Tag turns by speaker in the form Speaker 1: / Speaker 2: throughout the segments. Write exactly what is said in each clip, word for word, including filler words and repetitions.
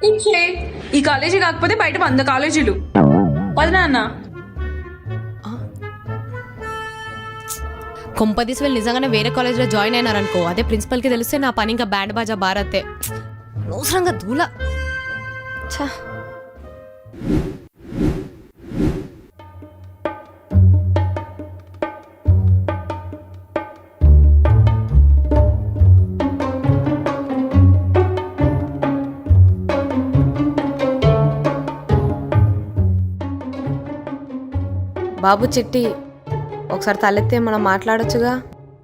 Speaker 1: ఇంకే ఈ కాలేజీ కాకపోతే బయట వంద కాలేజీలు వదినా అన్న.
Speaker 2: కొంపదీసి వెళ్ళి నిజంగానే వేరే కాలేజ్లో జాయిన్ అయినారనుకో, అదే ప్రిన్సిపల్కి తెలిస్తే నా పని ఇంకా బ్యాండ్ బాజా భారతే. అనవసరంగా దూల. ఛా, బాబు చిట్టి ఒకసారి తలెత్తే మనం మాట్లాడొచ్చుగా.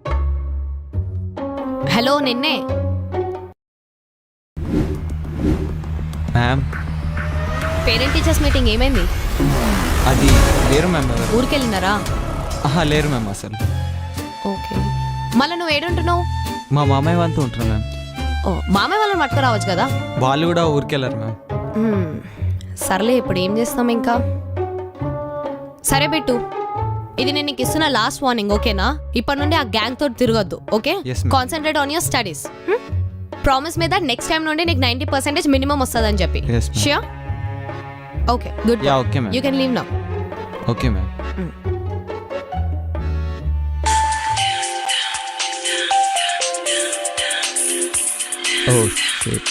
Speaker 2: హలో, నిన్నే.
Speaker 3: మ్యామ్,
Speaker 2: పేరెంట్ టీచర్స్ మీటింగ్ ఏమైంది?
Speaker 3: అది లేరు మ్యామ్. ఎవరు?
Speaker 2: ఊరికెళ్ళినారా?
Speaker 3: ఆహా, లేరు మ్యామ్ అసలు.
Speaker 2: ఓకే, మళ్ళీ నువ్వు ఏడుంటున్నావు?
Speaker 3: మా మామయ్య వాళ్ళతో ఉంటున్నాను మ్యామ్.
Speaker 2: ఓ, మామయ్య వాళ్ళని పట్టుకురావచ్చు కదా.
Speaker 3: వాళ్ళు కూడా ఊరికెళ్ళారు మ్యామ్.
Speaker 2: మ్మ్. సర్లే, ఇప్పుడు ఏం చేస్తాం ఇంకా. సరే బిట్టు, ఇది నేను నీకు ఇస్తున్న లాస్ట్ వార్నింగ్, ఓకేనా? ఇప్పటి నుండి ఆ గ్యాంగ్ తోటి తిరగొద్దు, okay?
Speaker 3: Yes, ma'am.
Speaker 2: Concentrate on your studies. Promise మీద నెక్స్ట్ టైం నుండి నీకు నైంటీ పర్సెంటేజ్ మినిమం వస్తుందని చెప్పి.
Speaker 3: Yes, ma'am.
Speaker 2: Sure? Okay, good.
Speaker 3: Ya, okay ma'am.
Speaker 2: You can leave now.
Speaker 3: Okay ma'am. Oh shit.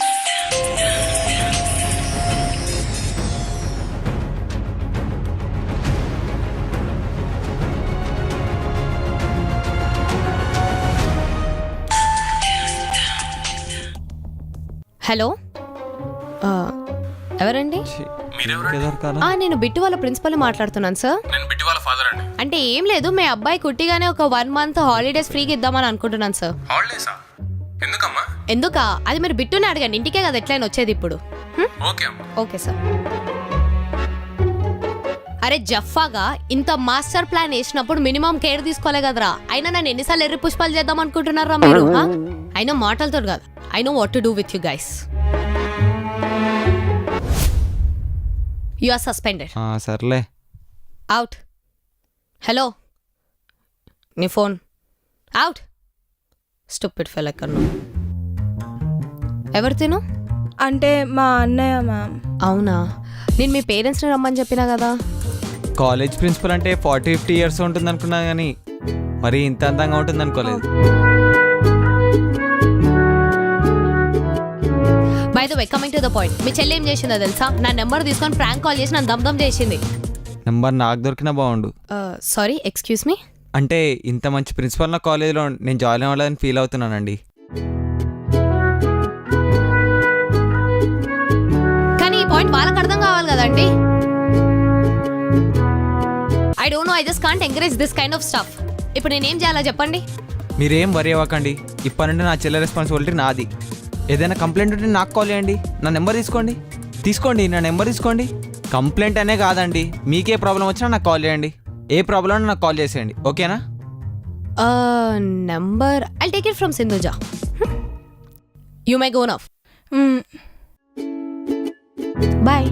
Speaker 2: Hello, ఎవరండి?
Speaker 3: కేదార్ కాదా?
Speaker 2: ఆ, నేను బిట్టు వాళ్ళ ప్రిన్సిపల్ మాట్లాడుతున్నాను సార్.
Speaker 4: నేను బిట్టి వాళ్ళ ఫాదర్ అండి.
Speaker 2: అంటే ఏం లేదు, మీ అబ్బాయి కుట్టిగానే ఒక వన్ మంత్ హాలిడేస్ ఫ్రీగా ఇద్దామని అనుకుంటున్నాను సార్.
Speaker 4: హాలిడేసా? ఎందుకమ్మా?
Speaker 2: ఎందుకా? అది మీరు బిట్టుని అడగండి, ఇంటికే కదా ఎట్లయినా వచ్చేది ఇప్పుడు. హ్మ్?
Speaker 4: ఓకే అమ్మా.
Speaker 2: Okay sir. అరే జఫాగా ఇంత మాస్టర్ ప్లాన్ వేసినప్పుడు మినిమం కేర్ తీసుకోలే కదరా. అయినా నన్ను ఎన్నిసార్లు ఎర్రి పుష్పాలు చేద్దాం అనుకుంటున్నారా మీరు? అయినా మాటలతో కాదు, I know what to do with you guys. You are suspended.
Speaker 3: ఆ, సర్లే.
Speaker 2: అవుట్. హలో, నీ ఫోన్ అవుట్. స్టూపిడ్ ఫెల్ ఎక్కడ నువ్వు? ఎవరు తిను?
Speaker 5: అంటే మా అన్నయ్య మ్యామ్.
Speaker 2: అవునా, నేను మీ పేరెంట్స్ని రమ్మని చెప్పినా కదా.
Speaker 3: కాలేజ్ ప్రిన్సిపల్ అంటే ఫార్టీ ఫిఫ్టీ ఇయర్స్ ఉంటుంది అనుకున్నా కానీ మరి ఇంత అందంగా ఉంటుంది అనుకోలేదు.
Speaker 2: By the way, coming to the point, మీ చెల్లి ఏం చేసిందో తెలుసా? నా నెంబర్ తీసుకొని ప్రాంక్ కాల్ చేసి నన్ను దమ్ దమ్ చేసింది.
Speaker 3: నెంబర్ నాకు దొరికినా బాగుండు.
Speaker 2: Sorry, excuse me.
Speaker 3: అంటే ఇంత మంచి ప్రిన్సిపల్ నా కాలేజీలో నేను జాయిన్ అవ్వాలని ఫీల్ అవుతున్నానండి.
Speaker 2: కానీ ఈ పాయింట్ వాళ్ళకి అర్థం కావాలి కదండి. I don't know, I just can't encourage this kind of stuff. ఇప్పుడు నేనేం చేయాలో చెప్పండి.
Speaker 3: మీరేం వరి అవ్వకండి, ఇప్పటి నుండి నా చెల్లె రెస్పాన్సిబిలిటీ నాది. ఏదైనా కంప్లైంట్ ఉంటే నాకు కాల్ చేయండి. నా నెంబర్ తీసుకోండి తీసుకోండి నా నెంబర్ తీసుకోండి. కంప్లైంట్ అనే కాదండి, మీకే ప్రాబ్లం వచ్చినా నాకు కాల్ చేయండి. ఏ ప్రాబ్లం ఉన్నా నాకు కాల్ చేసేయండి, ఓకేనా?
Speaker 2: Number I take it from Sindhuja. You may go now. Bye.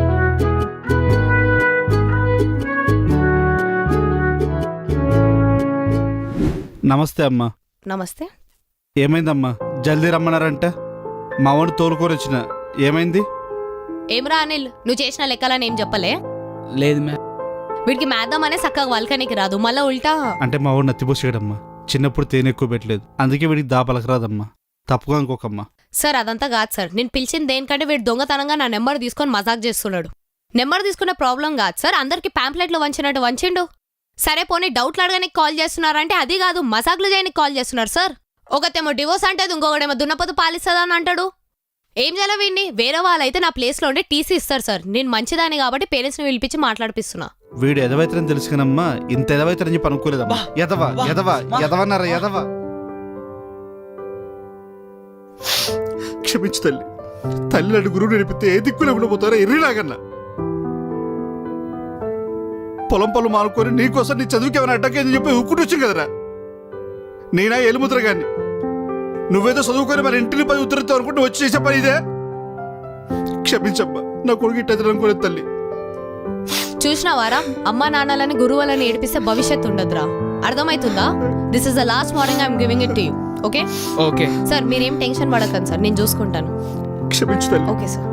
Speaker 6: నమస్తే అమ్మా.
Speaker 2: నమస్తే.
Speaker 6: ఏమైందమ్మా? జల్దీ రమ్మన్నారంట. మా వాడిని తోలుకొని వచ్చిన. ఏమైంది?
Speaker 2: ఏమ్రా అనిల్, నువ్వు చేసిన లెక్కలని ఏం చెప్పలే?
Speaker 7: లేదు మ్యామ్.
Speaker 2: వీడికి మేద్దాం అనే చక్కగా వల్కనికి రాదు, మళ్ళా ఉల్టా.
Speaker 6: అంటే మా వాడు నత్తిపోసాడమ్మా. చిన్నప్పుడు తేనె ఎక్కువ పెట్టలేదు, అందుకే వీడికి దాపలకు రాదమ్మా. తప్పుగా అనుకోకమ్మా.
Speaker 2: సార్ అదంతా కాదు సార్, నేను పిలిచింది దేనికంటే వీడు దొంగతనంగా నా నెంబర్ తీసుకొని మజాక్ చేస్తున్నాడు. నెంబర్ తీసుకునే ప్రాబ్లం కాదు సార్, అందరికి ప్యాంప్లెట్లు వంచినట్టు వంచిండు. సరే పోనీ డౌట్లు అడగడానికి కాల్ చేస్తున్నారంటే అది కాదు, మజాక్లు చేయడానికి కాల్ చేస్తున్నారు సార్. ఒకతేమో డివోర్స్ అంటే ఇంకొకటేమో దున్నపోతు పాలిస్తుందని అంటాడు. ఏం చేయాలి వీడిని? వేరే వాళ్ళైతే నా ప్లేస్లో ఉంటే టీసీ ఇస్తారు సార్. నేను మంచిదాన్ని కాబట్టి పేరెంట్స్ని పిలిపించి మాట్లాడిపిస్తున్నా.
Speaker 6: వీడు ఎదవైతరని తెలుసు కనమ్మా, ఇంత ఎదవైతరని చెప్పి అనుకోలేదమ్మా. ఎదవా ఎదవా ఎదవన్నారా ఎదవా. క్షమించు తల్లి. తల్లి అడు గురువు నడిపితే ఏ దిక్కులు ఉండిపోతారో ఎర్రిలాగన్నా. పొలం పొలం మానుకొని నీకోసం నీ చదువుకి ఏమైనా అడ్డకేందని చెప్పి ఉక్కుంటూ వచ్చాను కదరా. నేనా ఎలుముద్ర గాని నువ్వేదో చదువుకొని మరి ఇంటిని పది ఉత్తరితో అనుకుంటూ వచ్చి చేసే పని ఇదే. క్షమించమ్మా, నా కొడుకు ఇట్టదు అనుకోలేదు తల్లి.
Speaker 2: చూసినావారా, అమ్మా నాన్నలని గురువులని ఏడిపిస్తే భవిష్యత్తు ఉండదురా. అర్థమవుతుందా? This is the last morning I'm giving it to you. Okay
Speaker 7: okay
Speaker 2: sir, మీరేం టెన్షన్ పడకండి సార్, నేను చూసుకుంటాను.
Speaker 6: క్షమించు తల్లి.
Speaker 2: Okay sir